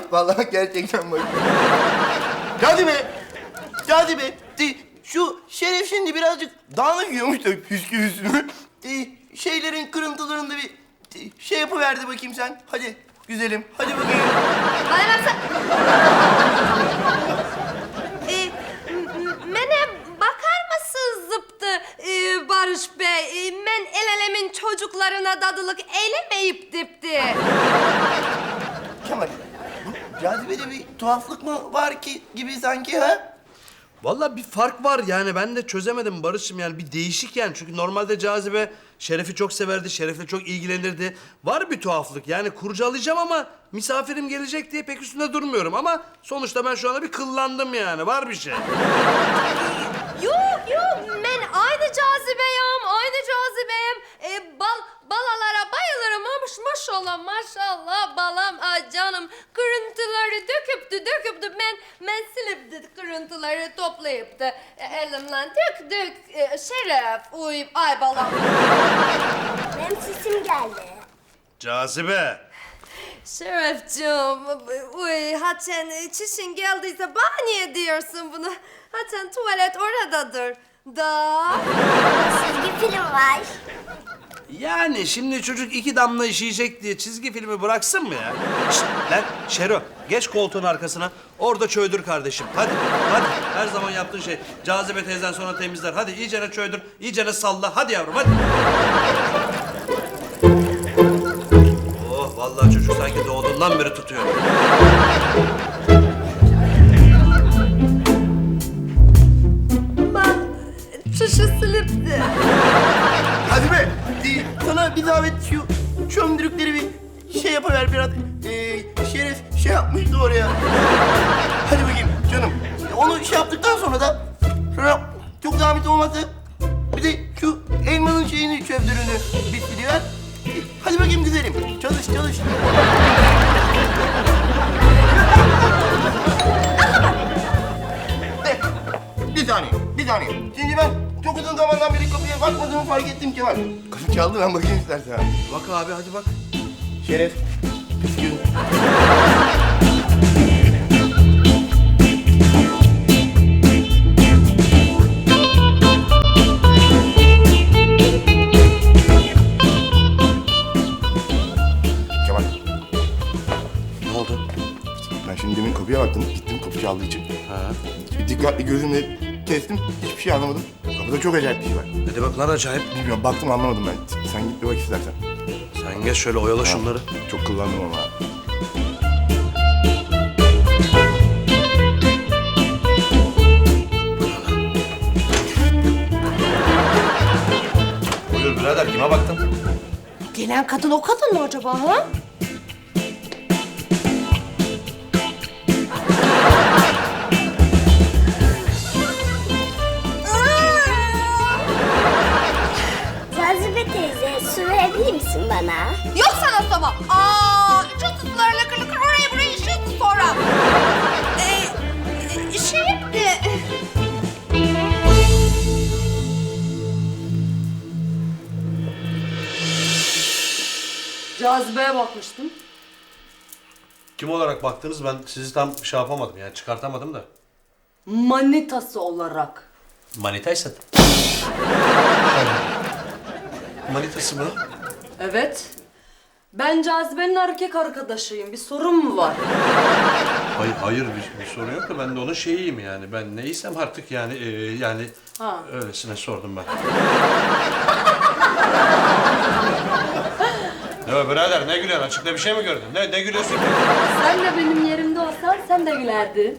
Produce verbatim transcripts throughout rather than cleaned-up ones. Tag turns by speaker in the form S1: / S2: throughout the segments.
S1: Vallahi gerçekten bak. Cazibe. Cazibe. De, şu Şeref şimdi birazcık dağınık yiyormuş da püsküvüsünü. De, şeylerin kırıntılarında bir de, şey yapıverdi bakayım sen. Hadi güzelim. Hadi bakayım.
S2: Bana baksana. Ee, mene bakar mısınız zıptı ee, Barış Bey? Ee, men el alemin çocuklarına dadılık eylemeyip dipti.
S1: Kemal, bu Cazibe'de bir tuhaflık mı var ki gibi sanki ha?
S3: Vallahi bir fark var yani ben de çözemedim Barış'ım yani bir değişik yani. Çünkü normalde Cazibe Şeref'i çok severdi, Şeref'le çok ilgilenirdi. Var bir tuhaflık yani kurcalayacağım ama misafirim gelecek diye pek üstünde durmuyorum. Ama sonuçta ben şu anda bir kıllandım yani, var bir şey.
S2: Yok yok, men aynı cazibeyim, aynı cazibeyim. Ee, bal, balalara bayılırım ama maşallah maşallah balam ah, canım kırıntıları döküptü döküptü. Men, men silipti kırıntıları toplayıptı. E, elimden dök dök e, Şeref uy ay balam.
S4: Benim sesim geldi.
S3: Cazibe.
S2: Şerefciğim, uy haçen çişin geldiyse bana niye diyorsun bunu? Haçen tuvalet oradadır. Da.
S4: Çizgi film var.
S3: Yani şimdi çocuk iki damla işeyecek diye çizgi filmi bıraksın mı ya? Şişt, lan Şero geç koltuğun arkasına orada çöydür kardeşim. Hadi hadi her zaman yaptığın şey. Cazibe teyzen sonra temizler. Hadi iyicene çöydür, iyicene salla. Hadi yavrum hadi. Oh vallahi çocuk sanki doğduğundan beri tutuyor.
S2: Ben çişi silipti.
S1: Cazibe, de, sana bir zahmet şu çömdürükleri bir şey yapıver biraz. Ee, Şeref şey yapmıştı oraya. Hadi bakayım canım. Onu şey yaptıktan sonra da sonra çok zahmet olmazsa bir de şu elmanın şeyini çömdürünü bitiriver. Hadi bakayım güzelim. Çalış çalış. De, bir saniye, bir saniye. Şimdi ben çok uzun zamandan beri kapıya bakmadığımı fark ettim Kemal. Kapı çaldı, ben bakayım istersen.
S3: Bak abi hadi bak.
S1: Şeref, püskün. Kemal,
S3: Ne oldu?
S1: ben şimdi demin kapıya baktım, gittim kapı çaldığı için.
S3: Ha.
S1: Dikkatli gözümle kestim, hiçbir şey anlamadım. Kapıda çok acayip bir şey var.
S3: Ne demek lan acayip?
S1: Bilmiyorum, baktım anlamadım ben. Sen git bir bak istersen.
S3: Sen geç şöyle oyala şunları.
S1: Çok kullandım ama.
S3: Buyur birader kime baktın?
S2: Gelen kadın o kadın mı acaba ha?
S4: Cazibe teyze, su verebilir misin bana?
S2: Yok sana sama. Aa, çok sular lakır lakır oraya buraya işiyorsun sonra. Ee, şey de...
S5: Cazibe'ye bakmıştım.
S3: Kim olarak baktınız? Ben sizi tam şey yapamadım yani çıkartamadım da.
S5: Manitası olarak.
S3: Manitaysa. Manitası mı?
S5: Evet. Ben Cazibe'nin erkek arkadaşıyım. Bir sorun mu var?
S3: Hayır, hayır bir, bir sorun yok da ben de onun şeyiyim yani. Ben neysem artık yani e, yani
S5: Ha.
S3: öylesine sordum ben. Ne birader ne gülüyorsun? Açıkta bir şey mi gördün? Ne, ne gülüyorsun ki?
S5: Sen de benim yerimde olsan sen de gülerdin.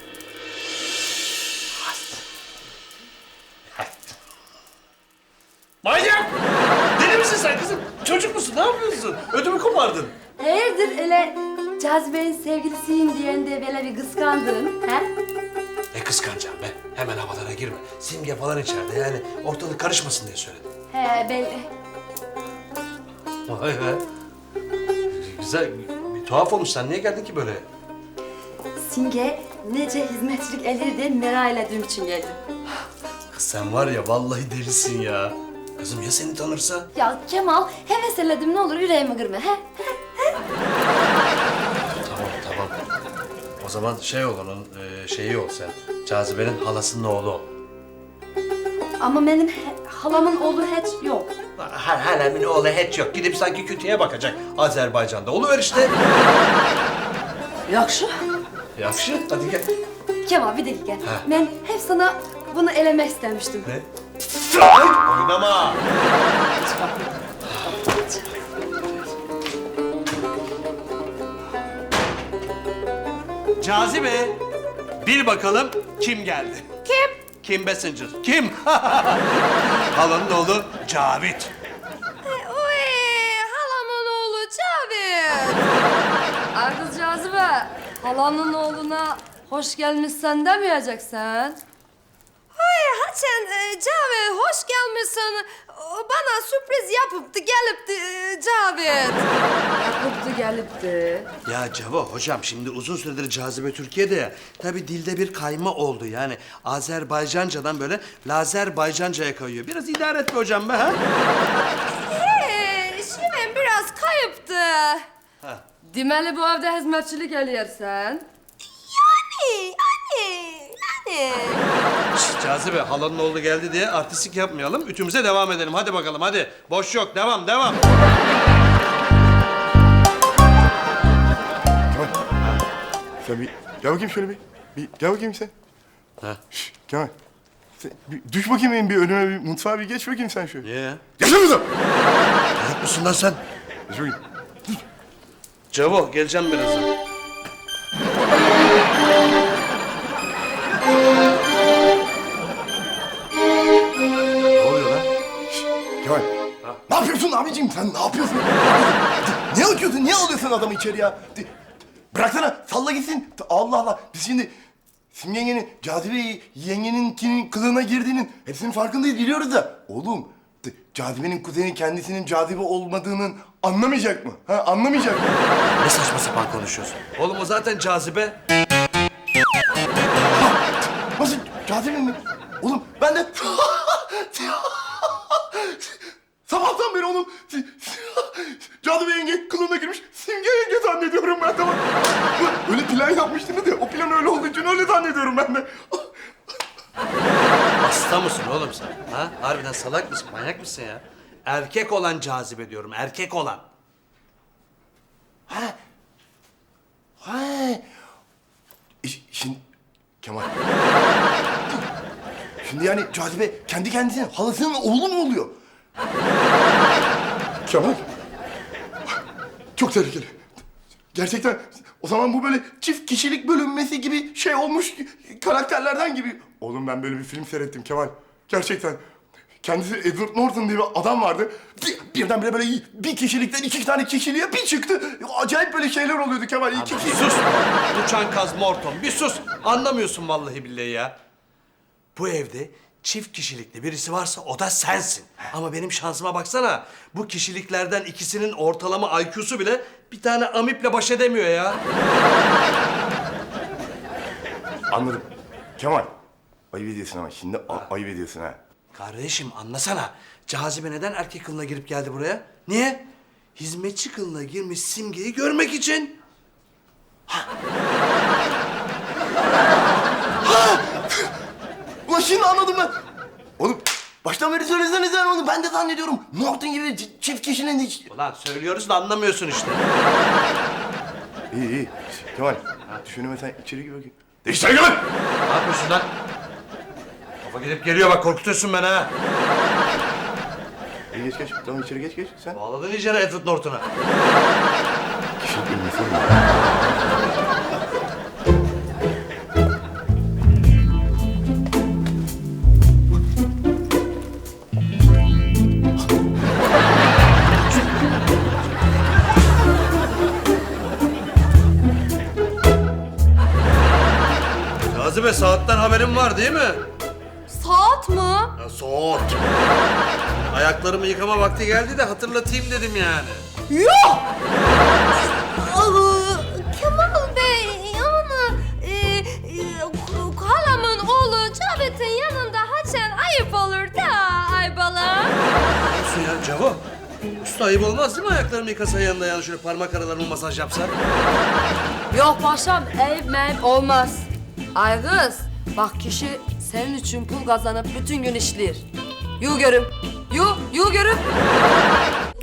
S3: Manyak! Deli misin sen kızım? Çocuk musun? Ne yapıyorsun? Ödümü kopardın.
S5: Hayırdır öyle Cazibe'nin sevgilisiyim diyen de böyle bir kıskandın, he?
S3: Ne kıskanacağım be? Hemen havalara girme. Simge falan içeride yani ortalık karışmasın diye söyledim.
S5: He belli.
S3: Vay be. Güzel, bir tuhaf olmuş. Sen niye geldin ki böyle?
S5: Simge nece hizmetçilik elir diye merak ettiğim için geldim.
S3: Kız sen var ya vallahi delisin ya. Kızım ya seni tanırsa?
S5: Ya Kemal hevesledim ne olur yüreğimi kırma, he?
S3: Tamam tamam. O zaman şey ol onun e, şeyi ol sen. Cazibe'nin halasının oğlu ol.
S5: Ama benim he- halamın oğlu hiç yok.
S3: Her halemin oğlu hiç yok. Gidip sanki kütüğe bakacak Azerbaycan'da. Oluver işte.
S5: Yakşı.
S3: Yakşı. Hadi gel.
S5: Kemal bir dakika. Ben hep sana bunu elemek istemiştim.
S3: Ne? Oynama. Cazibe, bil bakalım kim geldi?
S2: Kim?
S3: Kim Messenger? Kim? Halanın oğlu Cavit.
S2: Uy, halamın oğlu Cavit. Ay kız Cazibe, halamın oğluna hoş gelmişsen demeyeceksin. Ay Haçan, e, Cavit hoş gelmişsin. O bana sürpriz yapıptı, gelipti e, Cavit. Yapıptı, gelipti.
S3: Ya Cavo hocam şimdi uzun süredir Cazibe Türkiye'de ya. Tabii dilde bir kayma oldu yani. Azerbaycancadan böyle Lazerbaycanca'ya kayıyor. Biraz idare et be hocam be ha.
S2: He, şimdi biraz kayıptı.
S3: Ha.
S2: Demeli bu evde hizmetçilik eliyorsan. Yani, yani, yani.
S3: Şşt, Cazibe halanın oğlu geldi diye artistik yapmayalım. Ütümüze devam edelim. Hadi bakalım hadi. Boş yok. Devam devam.
S6: Kemal. Sen bir gel bakayım şöyle bir. Bir gel bakayım sen.
S3: Ha.
S6: Şş, Kemal. Sen bir düş bakayım benim bir önüme bir mutfağa bir geç bakayım sen şöyle.
S3: Niye ya?
S6: Geç kızım.
S3: Manyak mısın lan sen?
S6: Geç bakayım.
S3: Cavo geleceğim birazdan. Ne oluyor lan?
S6: Şş, Kemal. Ne yapıyorsun abicim sen ne yapıyorsun? Ne atıyorsun? Niye alıyorsun adamı içeri ya? De- Bıraksana salla gitsin. Allah Allah. Biz şimdi Simge yengenin, Cazibe yengeninkinin kılığına girdiğinin hepsinin farkındayız biliyoruz da. Oğlum de- Cazibe'nin kuzeni kendisinin Cazibe olmadığının anlamayacak mı? Ha anlamayacak mı?
S3: Ne saçma sapan konuşuyorsun? Oğlum o zaten Cazibe.
S6: Nasıl Cazibe mi? Oğlum ben de sabahtan beri onun Cazibe yenge kılığına girmiş Simge yenge zannediyorum ben tamam. Öyle plan yapmıştınız ya o plan öyle olduğu için öyle zannediyorum ben de.
S3: Hasta mısın oğlum sen? Ha? Harbiden salak mısın? Manyak mısın ya? Erkek olan Cazibe diyorum. Erkek olan.
S6: Ha. Ha. E, Şimdi Kemal. Şimdi yani Cazibe kendi kendisine halasının oğlu mu oluyor? Kemal. Çok tehlikeli. Gerçekten o zaman bu böyle çift kişilik bölünmesi gibi şey olmuş karakterlerden gibi. Oğlum ben böyle bir film seyrettim Kemal. Gerçekten. Kendisi Edward Norton diye bir adam vardı. Bir, birdenbire böyle bir kişilikten iki tane kişiliğe bir çıktı. Acayip böyle şeyler oluyordu Kemal. İki kişi...
S3: Sus! Uçan kaz Morton. Bir sus! Anlamıyorsun vallahi billahi ya. Bu evde çift kişilikli birisi varsa o da sensin. Ama benim şansıma baksana. Bu kişiliklerden ikisinin ortalama I Q'su bile bir tane amiple baş edemiyor ya.
S6: Anladım. Kemal. Ayıp ediyorsun ama şimdi a- ayıp ediyorsun ha.
S3: Kardeşim anlasana. Cazibe neden erkek kılığına girip geldi buraya? Niye? Hizmetçi kılığına girmiş Simge'yi görmek için.
S6: Ulan şimdi anladım ben. Oğlum baştan beri söyleseniz ben onu ben de zannediyorum. Norton gibi ç- çift kişinin hiç...
S3: Ulan söylüyoruz da anlamıyorsun işte.
S6: İyi iyi. Kemal. Düşünüme sen içeri gir bakayım. İçeri gir lan!
S3: Ne yapıyorsun lan? Kafa gidip geliyor bak korkutuyorsun beni ha.
S6: İyi geç geç. Tamam içeri geç geç sen.
S3: Bağladın iyice Edward Norton'a.
S6: Kişilik bölünmesi mi?
S3: Cazibe saatten haberin var değil mi?
S2: Saat mı?
S3: Ya saat. Ayaklarımı yıkama vakti geldi de hatırlatayım dedim yani.
S2: Yok! Aa, Kemal Bey, yani e, e, halamın oğlu Cavit'in yanında haçan ayıp olur da ay bala.
S3: Olsun ya Cavo. Usta ayıp olmaz değil mi ayaklarımı yıkasa yanında yani şöyle parmak aralarımı masaj yapsa?
S5: Yok paşam, ev mev olmaz. Ay kız, bak kişi senin için pul kazanıp bütün gün işler. Yu görüm, yu, yu görüm.